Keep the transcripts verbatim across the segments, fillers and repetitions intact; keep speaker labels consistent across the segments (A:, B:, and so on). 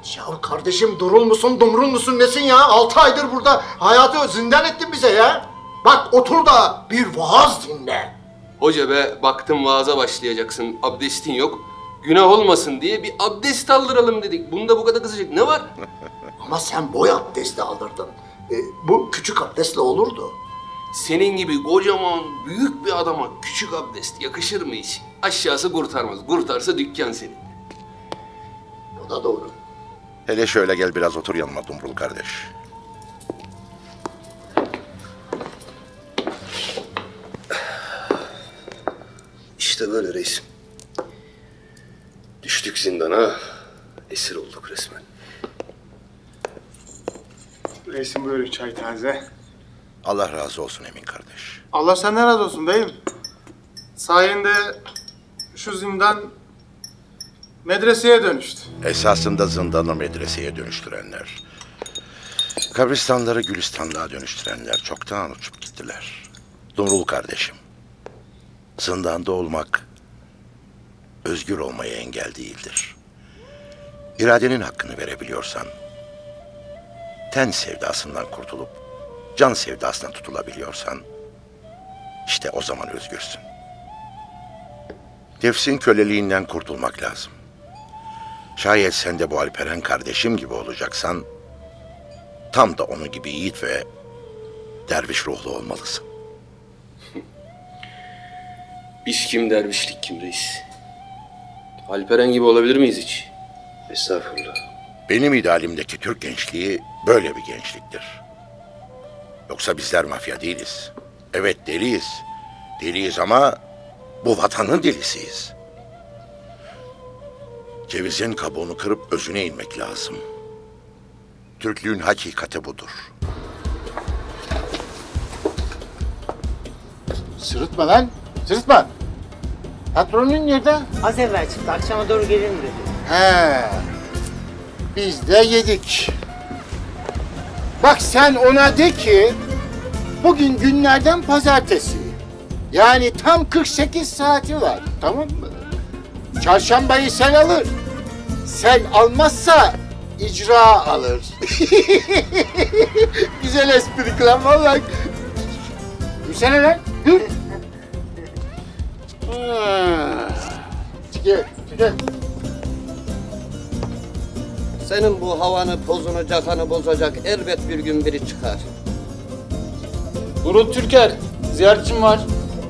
A: Ya kardeşim durul musun, dumrul musun nesin ya? Altı aydır burada hayatı zindan ettin bize ya. Bak otur da bir vaaz dinle.
B: Hoca be, baktım vaaza başlayacaksın, abdestin yok. Günah olmasın diye bir abdest aldıralım dedik. Bunda bu kadar kızacak ne var?
A: Ama sen boy abdesti aldırdın. E, bu küçük abdestle olurdu.
B: Senin gibi kocaman, büyük bir adama küçük abdest yakışır mı hiç? Aşağısı kurtarmaz, kurtarsa dükkan senin.
A: Bu da doğru.
C: Hele şöyle gel biraz otur yanıma Dumrul kardeş.
B: İşte böyle reisim. Düştük zindana, esir olduk resmen.
D: Reisim buyurun çay taze.
C: Allah razı olsun Emin kardeş.
D: Allah senden razı olsun beyim. Sayende şu zindan medreseye dönüştü.
C: Esasında zindanı medreseye dönüştürenler, kabristanları gülistanlığa dönüştürenler çoktan uçup gittiler. Dumrul kardeşim, zindanda olmak özgür olmaya engel değildir. İradenin hakkını verebiliyorsan, ten sevdasından kurtulup can sevdasına tutulabiliyorsan, işte o zaman özgürsün. Nefsin köleliğinden kurtulmak lazım. Şayet sen de bu Alperen kardeşim gibi olacaksan, tam da onun gibi yiğit ve derviş ruhlu olmalısın.
B: İş kim, dervişlik kim reis? Alperen gibi olabilir miyiz hiç? Estağfurullah.
C: Benim idealimdeki Türk gençliği böyle bir gençliktir. Yoksa bizler mafya değiliz. Evet deliyiz. Deliyiz ama bu vatanın delisiyiz. Cevizin kabuğunu kırıp özüne inmek lazım. Türklüğün hakikati budur.
E: Sırıtma lan, sırıtma. Patronun nerede?
F: Az evvel çıktı. Akşama doğru gelirim dedi.
E: He, biz de yedik. Bak sen ona de ki, bugün günlerden pazartesi. Yani tam kırk sekiz saati var, tamam mı? Çarşambayı sen alır. Sen almazsa icra alır. Güzel espri lan vallahi. Gülsene lan, gül. Ha. Çıkıyor, çıkıyor.
F: Senin bu havanı, pozunu, cakanı bozacak elbet bir gün biri çıkar.
G: Durul Türker, ziyaretçim var.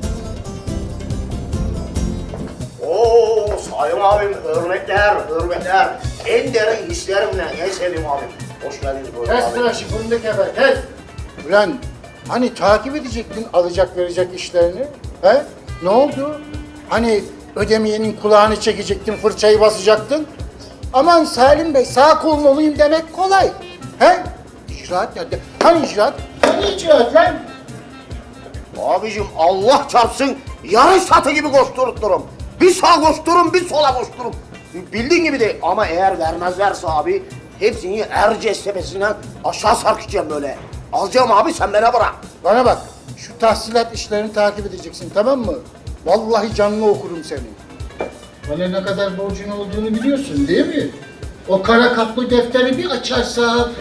A: Oo Sayın abim, hürmetler, hürmetler. En derin hislerimle en sevdiğim abim. Hoş geldiniz böyle
E: Kes
A: abi.
E: tıraşı fındık efe, kes! Ulan hani takip edecektin alacak verecek işlerini? He? Ne oldu? Hani ödemeyenin kulağını çekecektin, fırçayı basacaktın? Aman Salim Bey sağ kolun olayım demek kolay. He? İcraat nerede? Hani icraat? Hani icraat lan?
A: Abicim Allah çarpsın yarış satı gibi koştururum. Bir sağa koştururum, bir sola koştururum. Bildiğin gibi değil ama eğer vermezlerse abi hepsini Erciyes tepesinden aşağı sarkacağım böyle. Alacağım abi sen bana bırak.
E: Bana bak, şu tahsilat işlerini takip edeceksin, tamam mı? Vallahi canlı okurum seni. Bana ne kadar borcun olduğunu biliyorsun değil mi? O kara kaplı defteri bir açarsa...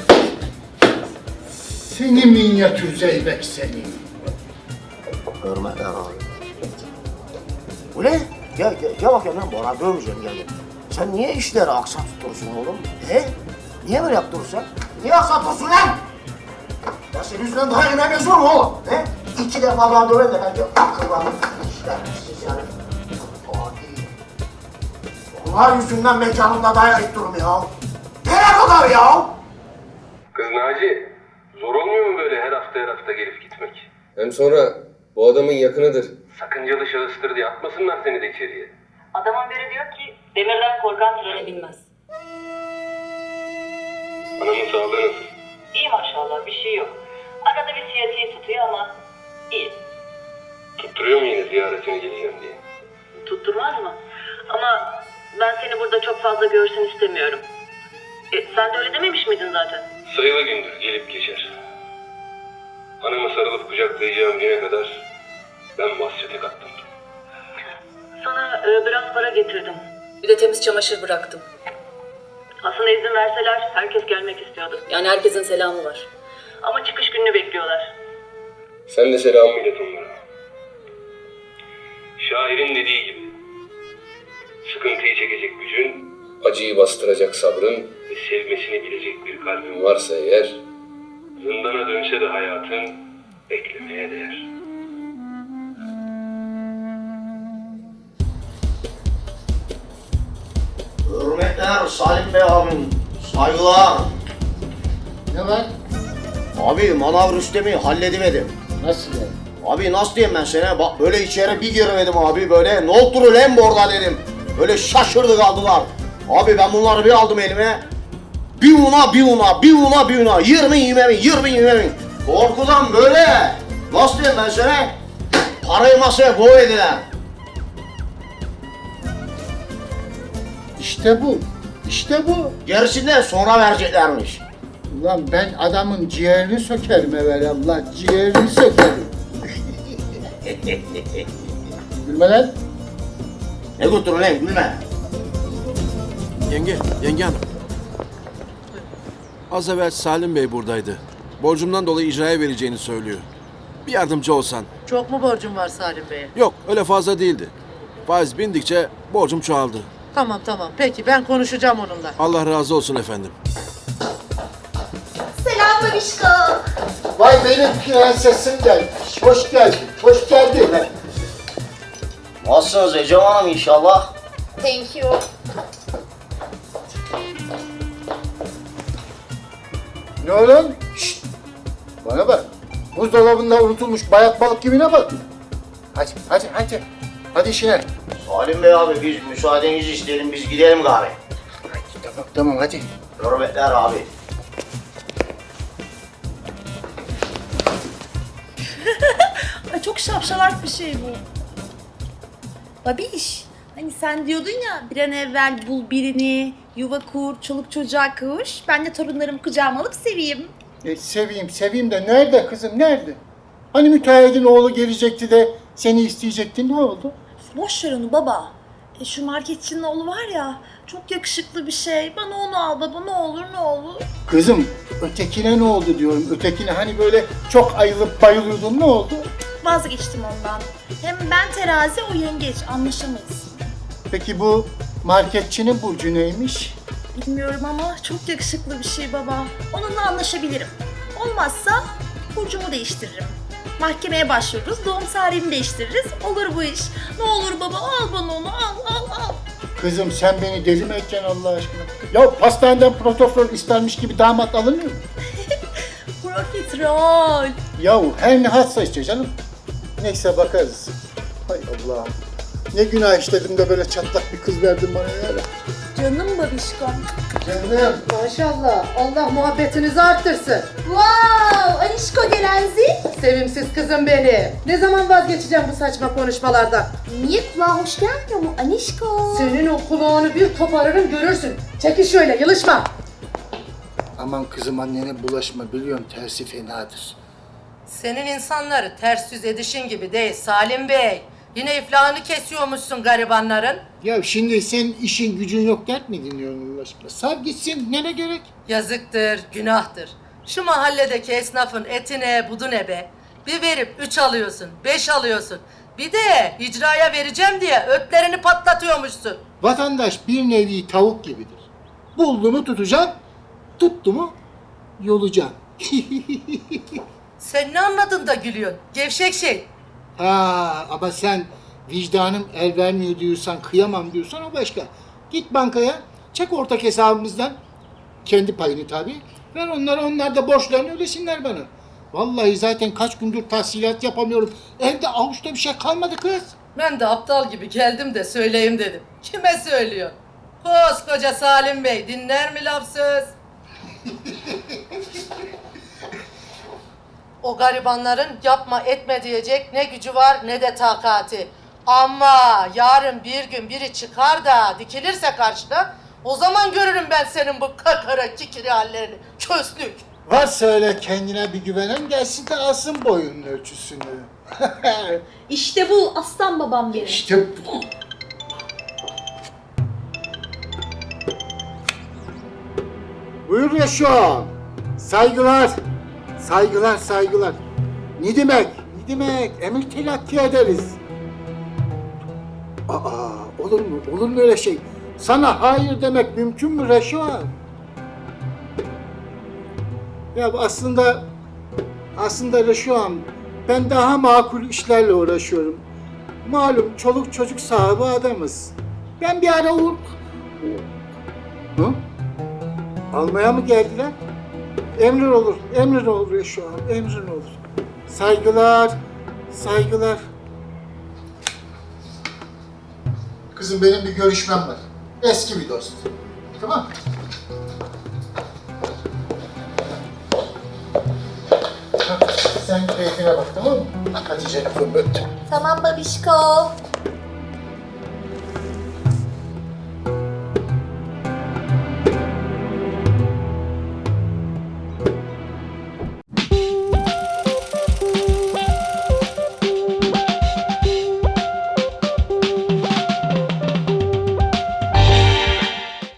E: Seni minyatür zeybek seni.
A: Hürmetler abi. Bu ne? Gel, gel, gel bakayım lan Bora dövmeyeceğim gel. Sen niye işleri aksatıyorsun oğlum? He? Niye böyle yaptırırsan? Niye aksatıyorsun lan? Ya senin yüzünden daha yemeğimiz var mı oğlum? He? İki defa daha döven de bence akıllandım. İşler siz yani. Adi. Onlar yüzünden mekanımda dayak durum ya. Nereye kadar ya?
B: Kız Naci, zor olmuyor mu böyle her hafta her hafta gelip gitmek? Hem sonra bu adamın yakınıdır. Sakıncalı şahıstır diye atmasınlar seni de içeriye.
H: Adamın biri diyor ki demirden korkan trene binmez.
B: Anamın sağlığı nasıl?
H: İyi maşallah bir şey yok. Arada bir siyatiği tutuyor ama iyi.
B: Tutturuyor mu yine ziyaretine geleceğim diye?
H: Tutturmaz mı? Ama ben seni burada çok fazla görsün istemiyorum. E, sen de öyle dememiş miydin zaten?
B: Sayılı gündür gelip geçer. Anamı sarılıp kucaklayacağım güne kadar ben vasiyete kattım.
H: Sana e, biraz para getirdim. Bir de temiz çamaşır bıraktım. Aslında izin verseler herkes gelmek istiyordu. Yani herkesin selamı var. Ama çıkış gününü bekliyorlar.
B: Sen de selamımı ilet onlara. Şairin dediği gibi. Sıkıntıyı çekecek gücün, acıyı bastıracak sabrın ve sevmesini bilecek bir kalbin varsa eğer, zindana dönse de hayatın beklemeye değer.
A: Hürmetler Salim Bey abim. Saygılar.
E: Ne var?
A: Abi manav Rüstem'i halledivedim.
E: Nasıl yani?
A: Abi nasıl diyeyim ben sana? Bak böyle içeri bir giremedim abi böyle. Ne oldu lan burada dedim. Böyle şaşırdı kaldılar. Abi ben bunları bir aldım elime. Bir una bir una bir una bir una. Yirmi yirmi bin yirmi yirmi bin. Korkudan böyle. Nasıl diyeyim ben sana? Parayı masaya koydular.
E: İşte bu. İşte bu.
A: Gerisinden sonra vereceklermiş.
E: Ulan ben adamın ciğerini sökerim evvelallah. Ciğerini sökerim. Gülme lan.
A: Ne götürün lan gülme.
I: Yenge, yenge hanım. Az evvel Salim Bey buradaydı. Borcumdan dolayı icraya vereceğini söylüyor. Bir yardımcı olsan.
J: Çok mu borcun var Salim Bey'e?
I: Yok, öyle fazla değildi. Faiz bindikçe borcum çoğaldı.
J: Tamam tamam. Peki ben konuşacağım onunla.
I: Allah razı olsun efendim.
K: Selam babişko.
E: Vay benim prensesim gelmiş. Hoş geldin. Hoş geldin.
A: Nasılsınız Ecem Hanım inşallah?
K: Thank you.
E: Ne oğlum? Şşt! Bana bak. Buzdolabında unutulmuş bayat balık gibi ne bak? Hadi, hadi, hadi. Hadi işine.
A: Salim Bey abi biz müsaadenizi isteyelim biz gidelim gari.
E: Hadi, tamam, tamam hadi.
A: Hürmetler abi.
K: Ay çok şapşalak bir şey bu. Babiş, hani sen diyordun ya bir an evvel bul birini, yuva kur, çoluk çocuğa kuş. Ben de torunlarımı kucağıma alıp seveyim.
E: E, seveyim, seveyim de nerede kızım, nerede? Hani müteahhidin oğlu gelecekti de seni isteyecekti, ne oldu?
K: Boş ver onu baba. E, şu marketçinin oğlu var ya, çok yakışıklı bir şey. Bana onu al baba, ne olur ne olur.
E: Kızım, ötekine ne oldu diyorum, ötekine hani böyle çok ayılıp bayılıyordun, ne oldu?
K: Vazgeçtim ondan. Hem ben terazi, o yengeç. Anlaşamayız.
E: Peki bu marketçinin burcu neymiş?
K: Bilmiyorum ama çok yakışıklı bir şey baba. Onunla anlaşabilirim. Olmazsa burcumu değiştiririm. Mahkemeye başvururuz, doğum tarihini değiştiririz. Olur bu iş. Ne olur baba al bana onu, al al al.
E: Kızım sen beni deli mi edeceksin Allah aşkına? Ya pastaneden protofol istermiş gibi damat alınmıyor mu?
K: Profiterol.
E: Yahu her ne hatsa işte canım. Neyse bakarız. Hay Allah'ım. Ne günah işledim de böyle çatlak bir kız verdin bana ya.
K: Canım babişkom.
E: Canım.
J: Maşallah. Allah muhabbetinizi arttırsın.
K: Wow, Anişko gelenzi.
J: Sevimsiz kızım benim. Ne zaman vazgeçeceğim bu saçma konuşmalardan?
K: Niye kulağa hoş gelmiyor mu Anişko?
J: Senin o kulağını bir koparırım görürsün. Çekil şöyle yılışma.
E: Aman kızım annene bulaşma biliyorum tersi fenadır.
J: Senin insanları ters yüz edişin gibi değil Salim Bey. Yine iflahını kesiyormuşsun garibanların.
E: Ya şimdi senin işin gücün yok dert mi dinliyorsun Allah aşkına? Sar gitsin nene gerek?
J: Yazıktır, günahtır. Şu mahalledeki esnafın etine budune be. Bir verip üç alıyorsun, beş alıyorsun. Bir de icraya vereceğim diye ötlerini patlatıyormuşsun.
E: Vatandaş bir nevi tavuk gibidir. Buldu mu tutacaksın, tuttu mu yolacaksın.
J: Sen ne anladın da gülüyorsun? Gevşek şey.
E: Ha ama sen vicdanım el vermiyor diyorsan, kıyamam diyorsan o başka. Git bankaya, çek ortak hesabımızdan. Kendi payını tabii. Ver onlara, onlar da borçlarını ödesinler bana. Vallahi zaten kaç gündür tahsilat yapamıyorum. Evde avuçta bir şey kalmadı kız.
J: Ben de aptal gibi geldim de söyleyeyim dedim. Kime söylüyor? Koskoca Salim Bey dinler mi laf söz? O garibanların yapma etme diyecek ne gücü var ne de takati. Ama yarın bir gün biri çıkar da dikilirse karşına, o zaman görürüm ben senin bu kakara kikiri hallerini. Köslük.
E: Varsa öyle kendine bir güvenen gelsin de alsın boyunun ölçüsünü.
K: İşte bu aslan babam benim.
E: İşte bu. Buyur Reşo. Saygılar. Saygılar, saygılar. Ne demek? Ne demek? Emir telakki ederiz. Aa, olur mu? Olur mu öyle şey? Sana hayır demek mümkün mü Reşo? Ya aslında, aslında Reşo'm, ben daha makul işlerle uğraşıyorum. Malum çoluk çocuk sahibi adamız. Ben bir ara uğur... Hı? Almaya mı geldiler? Emrin olur, emrin olur Reşo'm, emrin olur. Saygılar, saygılar. Kızım benim bir görüşmem var. Eski bir dost. Tamam. Sen keyfine bak, tamam mı? Hatice'nin fırlattı.
K: Tamam babişko.